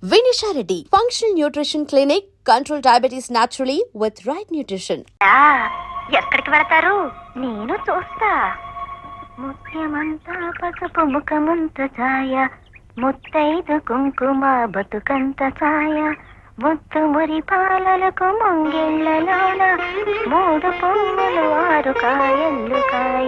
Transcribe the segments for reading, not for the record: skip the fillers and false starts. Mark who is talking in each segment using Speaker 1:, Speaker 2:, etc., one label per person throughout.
Speaker 1: Vinisha Reddy, Functional Nutrition Clinic, control diabetes naturally with right nutrition.
Speaker 2: ఎక్కడికి వెళతారు? నేను చూస్తా. ముత్యమంతా పసుపు ముఖమంత ఛాయ, ముత్తైదు కుంకుమ బతుకంత ఛాయ, ముత్తు మురి పాలలకు ముంగిళ్ళలోన, మూడు పొంగులు ఆరు కాయల్లు కాయ.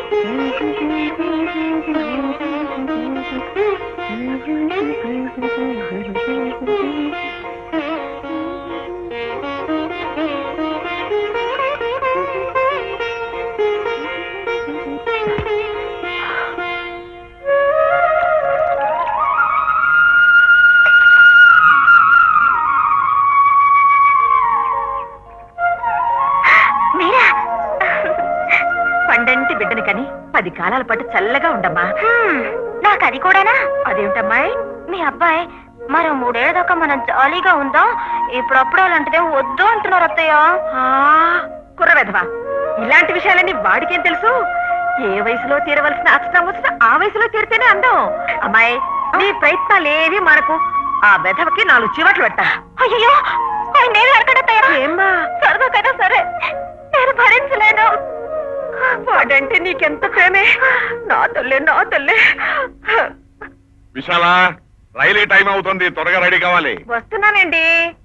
Speaker 2: పండంటి బిడ్డని కని 10 కాలాల పాటు చల్లగా ఉండమ్మా. నాకు అది కూడానా? అదేమిటమ్మాయి? మీ అబ్బాయి మరో 3 ఏళ్ల దాకా మనం జాలీగా ఉందాం, ఇప్పుడప్పుడు అలాంటిదే వద్దు అంటున్నారు అత్తయ్య. కుర్రవెధవా, ఇలాంటి విషయాలన్నీ వాడికేం తెలుసు? ఏ వయసులో తీరవలసిన అక్షరం వచ్చినా ఆ వయసులో తీరితేనే అందం. అమ్మాయి, నీ ప్రయత్నాలేవి మనకు. ఆ వెధవకి 4 చివట్లు పెట్టాను. అయ్యో, నేను అడగడత్తయ్య. ఏమ్మా, సరదాకైనా సరే, నేను భరించలేను. వాడంటే నీకెంత ప్రేమే. నా తల్లే, నా తల్లే.
Speaker 3: విశాల, రైలు టైం అవుతుంది, త్వరగా రెడీ కావాలి.
Speaker 2: వస్తున్నానండి.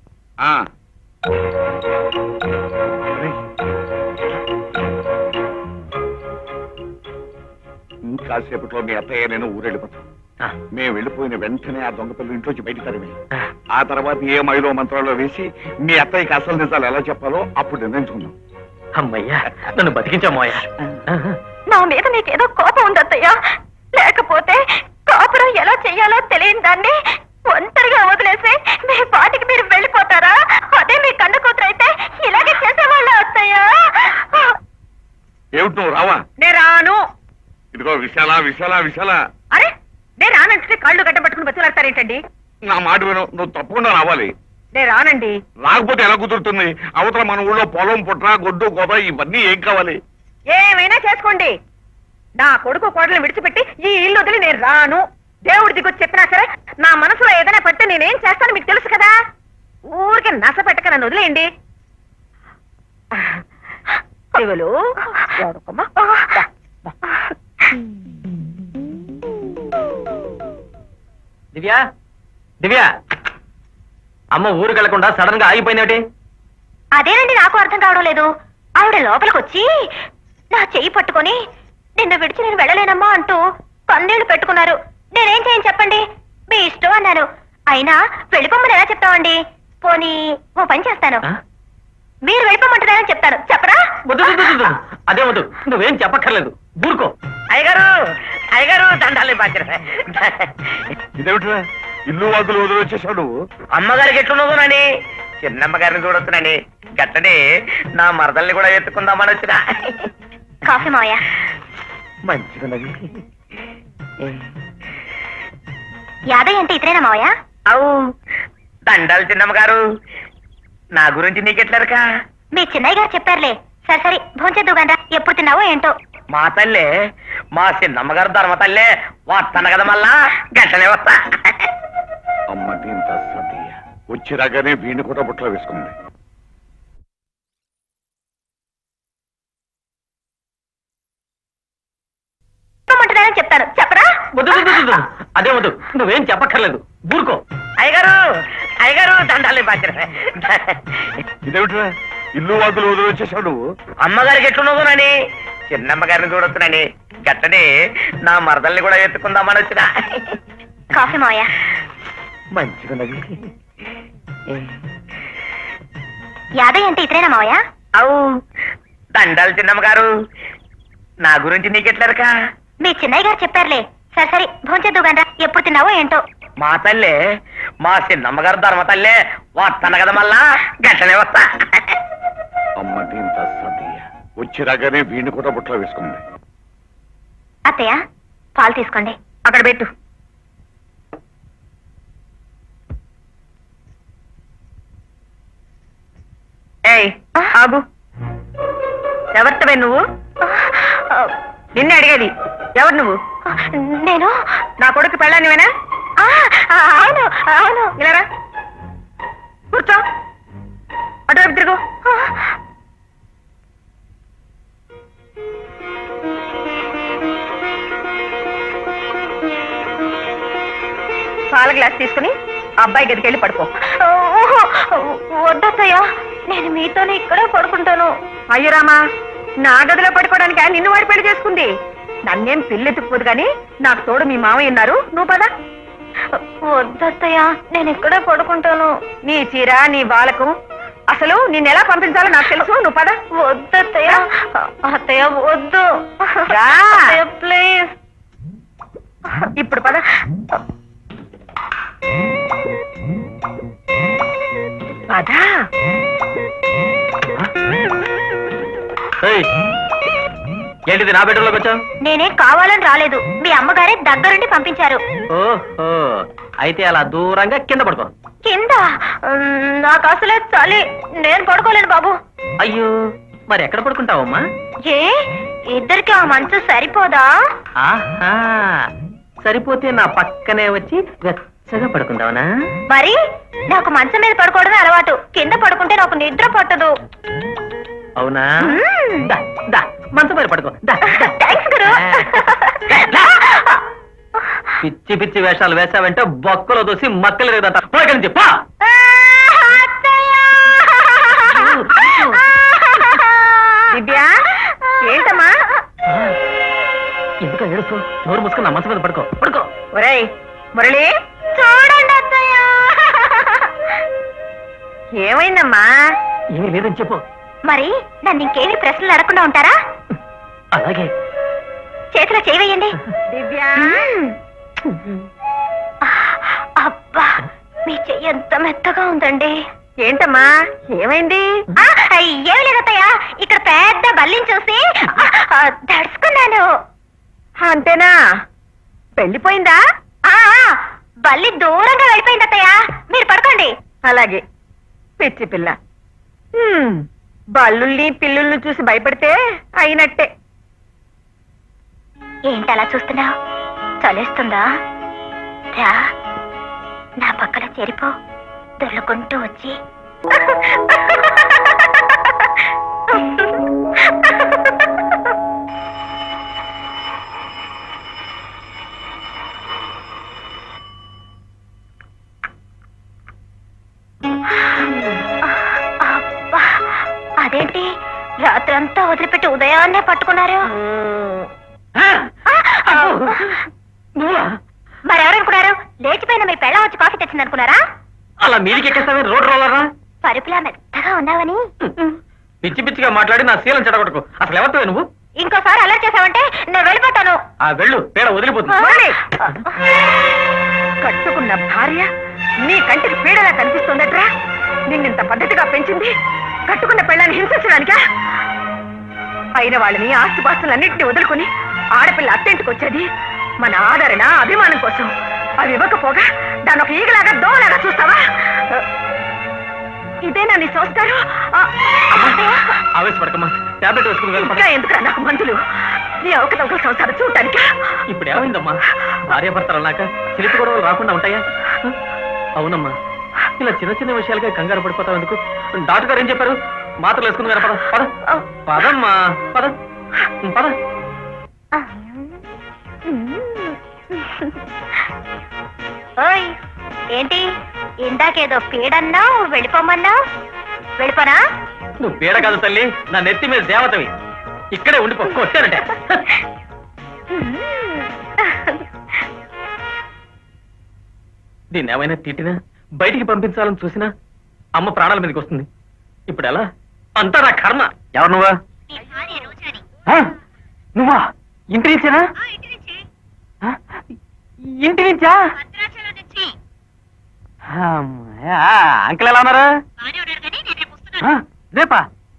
Speaker 3: ఇంకాసేపట్లో మీ అత్తయ్య నేను ఊరెళ్ళిపోతాం. మేము వెళ్ళిపోయిన వెంటనే ఆ దొంగ పిల్లలు ఇంట్లోంచి బయట తరిమి, ఆ తర్వాత ఏ మైలో మంత్రాల్లో వేసి మీ అత్తయ్యకి అసలు నిజాలు ఎలా చెప్పాలో అప్పుడు నిర్ణయించుకుందాం.
Speaker 4: అమ్మయ్యా, నన్ను బతికించమ్మయ్యా.
Speaker 2: నా మీద నీకేదో కోపం ఉందత్తయ్యా, లేకపోతే కాపురం ఎలా చెయ్యాలో తెలియని దాన్ని ఒంటరిగా వదిలేసి మీ పాటికి మీరు వెళ్ళిపోతారా? అదే మీ కన్న కూతురు అయితే ఇలాగే చేసేవాళ్ళ అత్తయ్యా.
Speaker 3: ఏమిటి నువ్వు రావా?
Speaker 2: నేను రాను.
Speaker 3: ఇదిగో విశాల, విశాల, విశాల.
Speaker 2: అరే, నేను రానంటే కాళ్ళు గడ్డ పట్టుకుని బతులాడతారేంటండి?
Speaker 3: నా మాట విను, నువ్వు తప్పకుండా రావాలి.
Speaker 2: నేను రానండి.
Speaker 3: రాకపోతే ఎలా కుదురుతుంది? అవతల మన ఊళ్ళో పొలం, పుట్ర, గొడ్డు, గోద ఇవన్నీ ఏం కావాలి?
Speaker 2: ఏమైనా చేసుకోండి. నా కొడుకు కోడలు విడిచిపెట్టి ఈ ఇల్లు వదిలి నేను రాను. దేవుడి దిగొచ్చి చెప్పినా సరే నా మనసులో ఏదైనా పడితే నేనేం చేస్తాను మీకు తెలుసు కదా. ఊరికి నస పెట్టక నన్ను వదిలేయండి. శివులు,
Speaker 4: దివ్యా, దివ్యా, అమ్మ ఊరికి వెళ్లకుండా సడన్ గా ఆగిపోయినటి?
Speaker 2: అదేనండి నాకు అర్థం కావడం లేదు. ఆవిడ లోపలికి వచ్చి నా చెయ్యి పట్టుకొని నిన్ను విడిచి నేను వెళ్ళలేనమ్మా అంటూ కన్నీళ్లు పెట్టుకున్నారు. నేనేం చేయను చెప్పండి, మీ ఇష్టం అన్నాను. అయినా వెళ్ళిపోమని ఎలా చెప్తామండి? పోనీ ఓ పని చేస్తాను, మీరు వెళ్ళిపోమంటున్నారని చెప్తాను. చెప్పరా?
Speaker 4: అదే వద్దు, నువ్వేం చెప్పక్కర్లేదు, ఊరుకో.
Speaker 2: అయ్యగారు, అయ్యగారు, దండాలి బాధ్యత.
Speaker 3: ఇదేమిట్రా, ఇల్లు వాదులు వదిలి వచ్చేసావు నువ్వు?
Speaker 4: అమ్మగారికి ఎట్లున్నదోనండి, చిన్నమ్మగారిని చూడొచ్చునండి. గట్టనే నా మరదల్ని కూడా ఎత్తుకుందామని వచ్చిన.
Speaker 2: కాఫీ మావయ్య.
Speaker 4: మంచిగున్నది.
Speaker 2: యాదయ్య అంటే ఇతరేనా మావయ్య?
Speaker 4: అవు, దండాలు చిన్నమ్మగారు. నా గురించి నీకెట్లరకా?
Speaker 2: మీ చిన్నయ్య గారు చెప్పారులే. సరే సరే, భోంచేద్దు గండ్రా. ఎప్పుడు తిన్నావో ఏంటో.
Speaker 4: మా తల్లే, మా చిన్నమ్మగారు ధర్మ తల్లే వస్తాను కదా, మళ్ళా గట్టనే వస్తా.
Speaker 3: అమ్మ దీంత సతీయ వచ్చి రాగానే వీణి కూడా బుట్టలో వేసుకుంది.
Speaker 2: చెప్తాను. చెప్పరా?
Speaker 4: అదే వద్దు, నువ్వేం చెప్పక్కర్లేదు, ఊరుకో.
Speaker 2: అయ్యగారు, అయ్యగారు, దండాలి బాధ్యత.
Speaker 3: ఇదేమిట్రా, ఇల్లు వాదులు వదిలి వచ్చేసావు నువ్వు?
Speaker 4: అమ్మగారికి ఎట్లున్నదోనని చిన్నమ్మగారిని చూడొచ్చునండి. గట్టనే నా మరదల్ని కూడా ఎత్తుకుందామని వచ్చిన.
Speaker 2: కాఫీ మావయ్య.
Speaker 4: మంచిగున్నది.
Speaker 2: యాదయ్య అంటే ఇతరేనా మావయ్య?
Speaker 4: అవు, దండాలు చిన్నమ్మగారు. నా గురించి నీకెట్లరకా?
Speaker 2: మీ చిన్నయ్య గారు చెప్పారులే. సరే సరే, భోంచేద్దు గండ్రా. ఎప్పుడు తిన్నావో ఏంటో.
Speaker 4: మా తల్లే, మా చిన్నమ్మగారు ధర్మ తల్లే వస్తాను కదా, మళ్ళా గట్టనే వస్తా.
Speaker 3: అమ్మ దీంత సతీయ వచ్చి రాగానే వీణి కూడా బుట్టలో వేసుకుంది.
Speaker 2: అత్తయ్య, పాలు తీసుకోండి. అక్కడ పెట్టు. ఏయ్ ఆగు, ఎవరితవే నువ్వు? నిన్నే అడిగేది. ఎవరు నువ్వు? నేను నా కొడుకు పెళ్ళానివేనా? అవును అవును.
Speaker 4: ఇలా కూర్చో, అటువైపు తిరుగు. పాల గ్లాస్ తీసుకుని అబ్బాయి గదికి వెళ్ళి పడుకో.
Speaker 2: వద్దత్తయ్య, నేను మీతోనే ఇక్కడే పడుకుంటాను.
Speaker 4: అయ్యో రామా, నా గదిలో పడుకోవడానికి ఆయన నిన్ను వాడి పెళ్లి చేసుకుంది. నన్నేం పిల్లెత్తుకుపోదు గాని నాకు తోడు మీ మామయ్య ఉన్నారు. నువ్వు పద.
Speaker 2: వద్దత్తయ్య, నేను ఇక్కడే పడుకుంటాను.
Speaker 4: నీ చీర నీ బాలకు అసలు నిన్ను ఎలా పంపించాలో నాకు తెలుసు. నువ్వు పద.
Speaker 2: వద్దత్తయ్య, అత్తయ్య వద్దు.
Speaker 4: రా.
Speaker 2: ప్లీజ్.
Speaker 4: ఇప్పుడు పద. పద.
Speaker 5: ఏంటిది నా బెడ్రూమ్లోకి వచ్చావు?
Speaker 2: నేనేం కావాలని రాలేదు, మీ అమ్మగారే దగ్గరుండి పంపించారు.
Speaker 5: ఓహో, అయితే అలా దూరంగా కింద పడుకో.
Speaker 2: కింద నాకు అసలే చలి, నేను పడుకోలేను బాబు.
Speaker 5: అయ్యో, మరి ఎక్కడ పడుకుంటావమ్మా?
Speaker 2: ఏ ఇద్దరికి ఆ మంచు సరిపోదా?
Speaker 5: ఆహా, సరిపోతే నా పక్కనే వచ్చి వెచ్చగా పడుకుందావనా?
Speaker 2: మరి నాకు మంచం మీద పడుకోవడమే అలవాటు, కింద పడుకుంటే నాకు నిద్ర పట్టదు.
Speaker 5: అవునా? దా, దా, మంచం మీద పడుకో. దా, దా.
Speaker 2: థాంక్స్ గురు.
Speaker 5: పిచ్చి పిచ్చి వేషాలు వేసావంటే బొక్కలో దోసి మక్కలు లేదంట. పోయి నుంచి పా.
Speaker 4: దివ్య, ఏంటమ్మా?
Speaker 5: ఎందుకు ఏడుస్తూ? నోరు మూసుకుని నా మంచం మీద పడుకో. పడుకో.
Speaker 4: ఒరేయ్ మురళి,
Speaker 2: చూడండి అత్తయ్య.
Speaker 4: ఏమైందమ్మా?
Speaker 5: ఏమీ లేదని చెప్పు.
Speaker 2: మరి నన్ను ఇంకేమి ప్రశ్నలు అడగకుండా ఉంటారా?
Speaker 5: అలాగే.
Speaker 2: చేతిలో చేయవేయండి.
Speaker 4: దివ్య,
Speaker 2: అబ్బా, మీ చెయ్యి ఎంత మెత్తగా ఉందండి.
Speaker 4: ఏంటమ్మా ఏమైంది?
Speaker 2: ఏమి లేదత్తయ్య, ఇక్కడ పెద్ద బల్లిని చూసి దడుచుకున్నాను.
Speaker 4: అంతేనా? పెళ్లిపోయిందా?
Speaker 2: బల్లి దూరంగా వెళ్ళిపోయింది అత్తయ్య. మీరు పడుకోండి.
Speaker 4: అలాగే. పిచ్చి పిల్ల. బల్లుల్ని పిల్లుల్ని చూసి భయపడితే అయినట్టే.
Speaker 2: ఏంటి అలా చూస్తున్నావు? చలేస్తుందా? రా, నా పక్కన చేరిపో. దొర్లుకుంటూ వచ్చి అబ్బా, అదేంటి రాత్రంతా వదిలిపెట్టి ఉదయాన్నే పట్టుకున్నారు? మరెవరనుకున్నారు? లేచిపోయిన మీ పెళ్ళ వచ్చి కాఫీ తెచ్చిందనుకున్నారా?
Speaker 5: అలా మీదికి ఎక్కేస్తావే రోడ్ రోలరా?
Speaker 2: పరుపులా మెత్తగా ఉన్నావని.
Speaker 5: పిచ్చి పిచ్చిగా మాట్లాడి నా శీలం చెడగొట్టుకో. అసలు ఎవరితో నువ్వు?
Speaker 2: ఇంకోసారి అలా చేసావంటే నేను వెళ్ళిపోతాను.
Speaker 5: ఆ వెళ్ళు, పేడ వదిలిపోతుంది.
Speaker 4: మురళి, కట్టుకున్న భార్య నీ కంటికి పీడలా కనిపిస్తుందట్రా? నిన్నింత పద్ధతిగా పెంచింది కట్టుకున్న పెళ్ళాన్ని హింసించడానికా? అయిన వాళ్ళని ఆస్తిపాస్తులన్నింటినీ వదులుకుని ఆడపిల్ల అత్తింటికి వచ్చేది మన ఆదరణ అభిమానం కోసం. అవి ఇవ్వకపోగా దాని ఒక ఈగలాగా దోలాగా చూస్తావా? ఇదేనా నీ సంస్కారం?
Speaker 5: ఆవేశపడకమ్మా, టాబ్లెట్ వేసుకుని
Speaker 4: ఇంకా ఎందుకురా నాకు మందులు? నీ అవకతవకల సంసారం చూడటానికా?
Speaker 5: ఇప్పుడు ఏమైందమ్మా? భార్యాభర్తలు అన్నాక చిలిపి గొడవలు రాకుండా ఉంటాయా? అవునమ్మా, ఇలా చిన్న చిన్న విషయాలుగా కంగారు పడిపోతావు ఎందుకు? డాక్టర్ గారు ఏం చెప్పారు? మాత్రలు వేసుకుని పద పద. పదమ్మా, పద పద.
Speaker 2: ఓయ్, ఏంటి ఇందాకేదో పీడన్నావు, వెళ్ళిపోమన్నావు? వెళ్ళిపోనా?
Speaker 5: నువ్వు పీడ కాదు తల్లి, నా నెత్తి మీద దేవతవి. ఇక్కడే ఉండిపో, కొట్టానంటే. దీన్ని ఏమైనా తిట్టినా బయటికి పంపించాలని చూసినా అమ్మ ప్రాణాల మీదకి వస్తుంది. ఇప్పుడు ఎలా? అంతా నా కర్మ. ఎవరు నువ్వా? నువ్వా? ఇంటి నుంచేనా? ఇంటి నుంచా? అంకుల్ ఎలా ఉన్నారు? రేపా?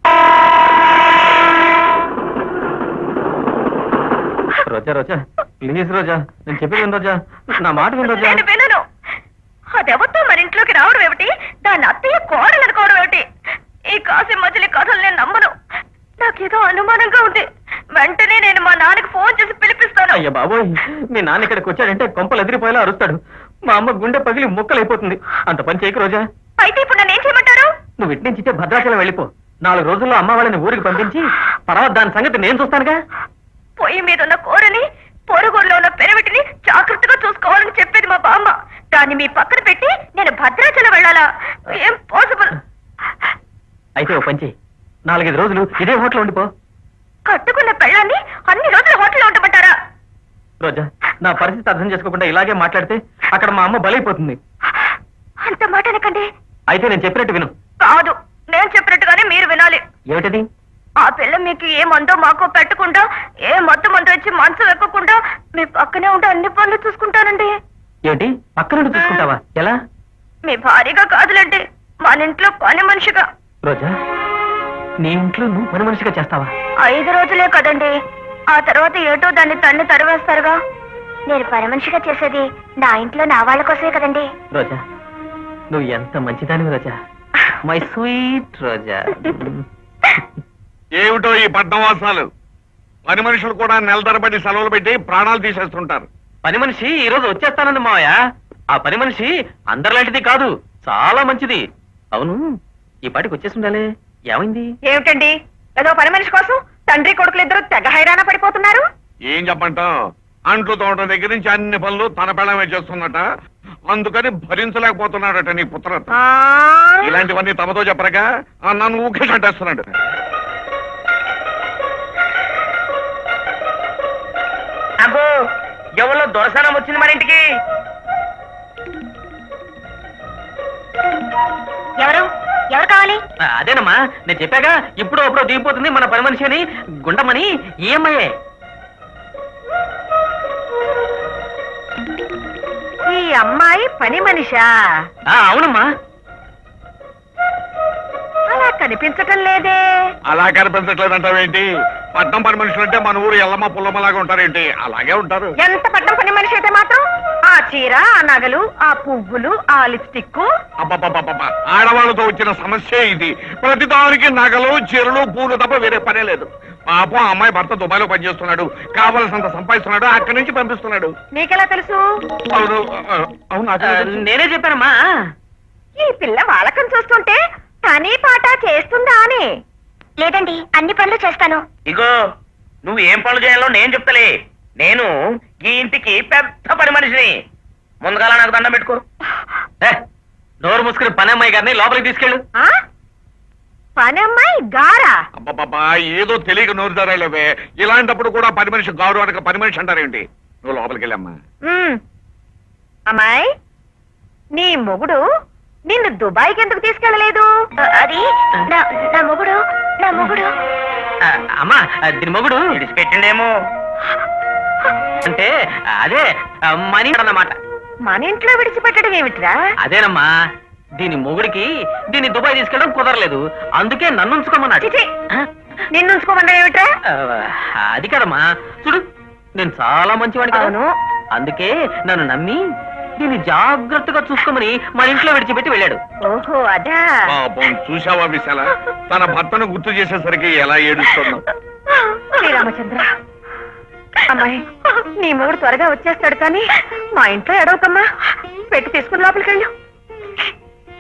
Speaker 5: రోజా రోజా ప్లీజ్ రోజా, నేను చెప్పేది విను రోజా, నా మాట విను రోజా.
Speaker 2: నేను వినను. అదెవరితో మన ఇంట్లోకి రావడం ఏమిటి? దాన్ని అత్తయ్య కోడలు అనుకోవడం ఏమిటి? ఈ కాసి మజిలీ కథలు నేను నమ్మను. నాకేదో అనుమానంగా ఉంది. వెంటనే నేను మా నాన్నకి ఫోన్ చేసి పిలిపిస్తాను.
Speaker 5: అయ్యా బాబోయ్, మీ నాన్న ఇక్కడికి వచ్చాడంటే కొంపలు ఎదిరిపోయేలా అరుస్తాడు. మా అమ్మ గుండె పగిలి ముక్కలైపోతుంది. అంత పని చేయకు రోజా.
Speaker 2: అయితే ఇప్పుడు నన్ను ఏం చేయమంటారు?
Speaker 5: నువ్వు ఇటు నుంచి భద్రాచలం వెళ్ళిపో. 4 రోజుల్లో అమ్మ వాళ్ళని ఊరికి పంపించి తర్వాత దాని సంగతి నేను చూస్తానుగా.
Speaker 2: పొయ్యి మీద ఉన్న కూరని, పొరుగుల్లో ఉన్న పెరవిటిని జాగ్రత్తగా చూసుకోవాలని చెప్పేది మా బామ్మ. దాన్ని మీ పక్కన పెట్టి నేను భద్రాచలం వెళ్ళాలా? ఏం పాసిబుల్?
Speaker 5: అయితే ఓ పంచి 4-5 రోజులు ఇదే హోటల్ ఉండిపో.
Speaker 2: కట్టుకున్న పెళ్ళాన్ని అన్ని రోజులు హోటల్లో ఉండమంటారా?
Speaker 5: రోజా, నా పరిస్థితి అర్థం చేసుకోకుండా ఇలాగే మాట్లాడితే అక్కడ మా అమ్మ బలైపోతుంది.
Speaker 2: అంత మాట అనకండి.
Speaker 5: అయితే నేను చెప్పినట్టు విను.
Speaker 2: కాదు, నేను చెప్పినట్టుగానే మీరు వినాలి.
Speaker 5: ఏమిటది?
Speaker 2: ఆ పిల్ల మీకు ఏ మందో మాకో పెట్టకుండా, ఏ మత్తు మందు వచ్చి మనసు వెక్కకుండా మీ పక్కనే ఉంటే అన్ని పనులు చూసుకుంటానండి.
Speaker 5: ఏంటి పక్క నుండి చూసుకుంటావా? ఎలా?
Speaker 2: మీ భారీగా కాదులండి, మన ఇంట్లో పని మనిషిగా.
Speaker 5: రోజా, నీ ఇంట్లో నువ్వు పని మనిషిగా చేస్తావా?
Speaker 2: 5 రోజులే కదండి, ఆ తర్వాత ఏటో దాన్ని తన్ని తరివేస్తారుగా. నేను పని మనిషిగా చేసేది నా ఇంట్లో నా వాళ్ళ కోసమే కదండి.
Speaker 5: రోజా, నువ్వు ఎంత మంచిదానివి రోజా, మై స్వీట్ రోజా.
Speaker 3: ఏమిటో ఈ పద్మవాసాలు. పని మనుషులు కూడా నెల తరబడి సెలవులు పెట్టి ప్రాణాలు తీసేస్తుంటారు.
Speaker 5: పని మనిషి ఈ రోజు వచ్చేస్తానంది మావయ్య. ఆ పని మనిషి అందరిలాంటిది కాదు, చాలా మంచిది. అవును, ఈ పాటికి వచ్చేసి ఉండాలి. ఏమైంది?
Speaker 4: ఏమిటండి, ఏదో పని మనిషి కోసం తండ్రి కొడుకులు ఇద్దరు తెగ హైరాణ పడిపోతున్నారు.
Speaker 3: ఏం చెప్పంటాం, అంట్లు తోట దగ్గర నుంచి అన్ని పనులు తన పెళ్ళమే చేస్తున్నట. అందుకని భరించలేకపోతున్నాడట నీ పుత్రత. ఇలాంటివన్నీ తమతో చెప్పరగా నన్ను ఊకే చంటేస్తున్నాడు.
Speaker 5: అబ్బో, ఎవరో దొరసనం వచ్చింది మన ఇంటికి.
Speaker 2: ఎవరు ఎవరు కావాలి?
Speaker 5: అదేనమ్మా, నేను చెప్పాగా ఇప్పుడు అప్పుడు దిగిపోతుంది మన పని మనిషి అని. గుండమని ఈఎంఐయే.
Speaker 4: ఈ అమ్మాయి పని మనిషా?
Speaker 5: అవునమ్మా.
Speaker 4: అలా కనిపించటం లేదే.
Speaker 3: అలా కనిపించట్లేదంటావేంటి? పట్నం పని మనుషులు అంటే మన ఊరు ఎల్లమ్మ పుల్లమ్మలాగా ఉంటారేంటి? అలాగే ఉంటారు.
Speaker 4: ఎంత పట్టం పని మనిషి అయితే మాత్రం ఆ చీర, ఆ నగలు, ఆ పువ్వులు, ఆ లిప్స్టిక్.
Speaker 3: అబ్బబ్బబ్బబ్బ, ఆడవాళ్ళతో వచ్చిన సమస్య ఇది. ప్రతి దానికి నగలు, చీరలు, పూలు తప్ప వేరే పనే లేదు. పాపం ఆ అమ్మాయి భర్త దుబాయ్లో పనిచేస్తున్నాడు, కావలసినంత సంపాదిస్తున్నాడు, అక్కడి నుంచి పంపిస్తున్నాడు.
Speaker 4: నీకెలా తెలుసు?
Speaker 3: అవును అవును, నాకే తెలుసు.
Speaker 5: నేనే చెప్పానమ్మా.
Speaker 4: ఈ పిల్ల వాలకం చూస్తుంటే పని పాట చేస్తుందా అని.
Speaker 2: లేదండి, అన్ని పనులు చేస్తాను.
Speaker 5: ఇగో, నువ్వు ఏం పనులు చేయాలో నేను చెప్తలే. నేను ఈ ఇంటికి పెద్ద పని మనిషిని. ముందుగాల నాకు దండం పెట్టుకో. నోరు మూసుకుని పని అమ్మాయి గారిని లోపలికి తీసుకెళ్ళు.
Speaker 4: ఆ? పని అమ్మాయి గారా?
Speaker 3: అబ్బబ్బబ్బా, ఏదో తెలియక నోరు ధరలేవే. ఇలాంటప్పుడు కూడా పని మనిషి గారు అనక పని మనిషి అంటారేంటి? నువ్వు లోపలికి వెళ్ళమ్మా.
Speaker 4: అమ్మాయి, నీ మొగుడు నిన్ను దుబాయ్కి ఎందుకు తీసుకెళ్ళలేదు?
Speaker 2: అది నా మొగుడు.
Speaker 5: అమ్మా, దీని మొగుడు విడిచిపెట్టిండేమో. అంటే అదే మనీ అన్నమాట.
Speaker 4: మన ఇంట్లో విడిచిపెట్టడం ఏమిట్రా?
Speaker 5: అదేనమ్మా, దీని మొగుడికి దీన్ని దుబాయ్ తీసుకెళ్ళడం కుదరలేదు, అందుకే నన్ను ఉంచుకోమన్నాడు.
Speaker 4: చిచి, నిన్ను ఉంచుకోమన్నా ఏమిట్రా?
Speaker 5: అది కదమ్మా, చూడు నేను చాలా మంచివాడిని కదా.
Speaker 4: అవును.
Speaker 5: అందుకే నన్ను నమ్మి దీన్ని జాగ్రత్తగా చూసుకోమని మన ఇంట్లో విడిచిపెట్టి వెళ్ళాడు.
Speaker 4: ఓహో, అదా.
Speaker 3: పాపం, చూశావా విశాల, తన భర్తను గుర్తు చేసేసరికి ఎలా ఏడుస్తుందో.
Speaker 4: శ్రీరామచంద్ర, అమ్మాయి, నీ మొగుడు త్వరగా వచ్చేస్తాడు కానీ మా ఇంట్లో ఎడవకమ్మా. పెట్టి తీసుకుని లోపలికి వెళ్ళు.